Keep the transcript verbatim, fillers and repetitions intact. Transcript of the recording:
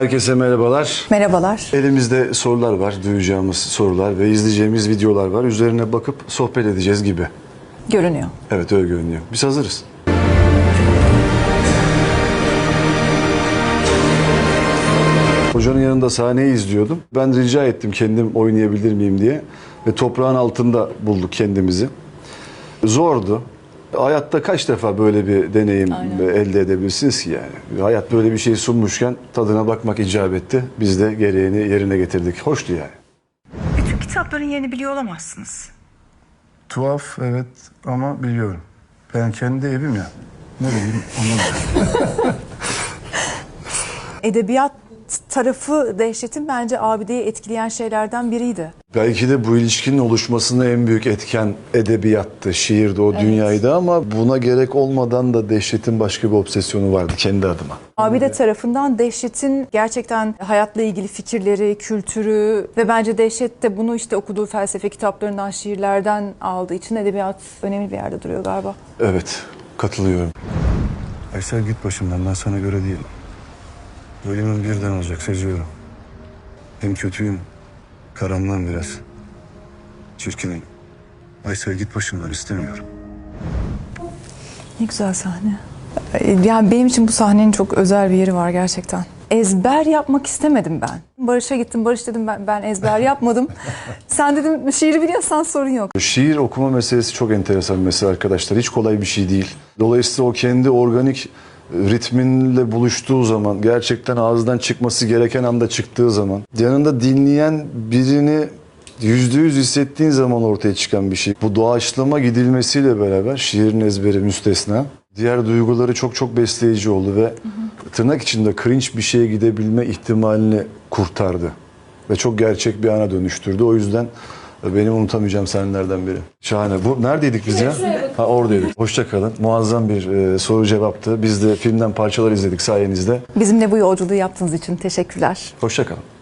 Herkese merhabalar. Merhabalar. Elimizde sorular var, duyacağımız sorular ve izleyeceğimiz videolar var. Üzerine bakıp sohbet edeceğiz gibi. Görünüyor. Evet, öyle görünüyor. Biz hazırız. Hocanın yanında sahneyi izliyordum. Ben rica ettim kendim oynayabilir miyim diye. Ve toprağın altında bulduk kendimizi. Zordu. Hayatta kaç defa böyle bir deneyim Aynen. elde edebilirsiniz ki yani? Hayat böyle bir şey sunmuşken tadına bakmak icap etti. Biz de gereğini yerine getirdik. Hoştu yani. Bütün kitapların yerini biliyor olamazsınız. Tuhaf evet ama biliyorum. Ben kendi evim ya. Ne bileyim onu da. Edebiyat tarafı Dehşet'in bence abideyi etkileyen şeylerden biriydi. Belki de bu ilişkinin oluşmasında en büyük etken edebiyattı, şiirdi, o dünyaydı ama buna gerek olmadan da Dehşet'in başka bir obsesyonu vardı kendi adıma. Abide tarafından Dehşet'in gerçekten hayatla ilgili fikirleri, kültürü ve bence Dehşet de bunu işte okuduğu felsefe kitaplarından, şiirlerden aldığı için edebiyat önemli bir yerde duruyor galiba. Evet, katılıyorum. Aysel git başımdan, ben sana göre değilim. Bölümün birden olacak, seziyorum. Hem kötüyüm, karanlığım biraz. Çirkinim. Aysel git başımdan, istemiyorum. Ne güzel sahne. Yani benim için bu sahnenin çok özel bir yeri var gerçekten. Ezber yapmak istemedim ben. Barış'a gittim. Barış dedim ben, ben ezber yapmadım. Sen dedim şiiri biliyorsan sorun yok. Şiir okuma meselesi çok enteresan bir mesele arkadaşlar. Hiç kolay bir şey değil. Dolayısıyla o kendi organik ritminle buluştuğu zaman, gerçekten ağızdan çıkması gereken anda çıktığı zaman, yanında dinleyen birini yüzde yüz hissettiğin zaman ortaya çıkan bir şey. Bu doğaçlama gidilmesiyle beraber şiirin ezberi müstesna. Diğer duyguları çok çok besleyici oldu ve hı hı. tırnak içinde cringe bir şeye gidebilme ihtimalini kurtardı. Ve çok gerçek bir ana dönüştürdü. O yüzden benim unutamayacağım sahnelerden biri. Şahane. Bu neredeydik biz ya? Ha, oradaydık. Hoşça kalın. Muazzam bir e, soru cevaptı. Biz de filmden parçalar izledik sayenizde. Bizimle bu yolculuğu yaptığınız için teşekkürler. Hoşça kalın.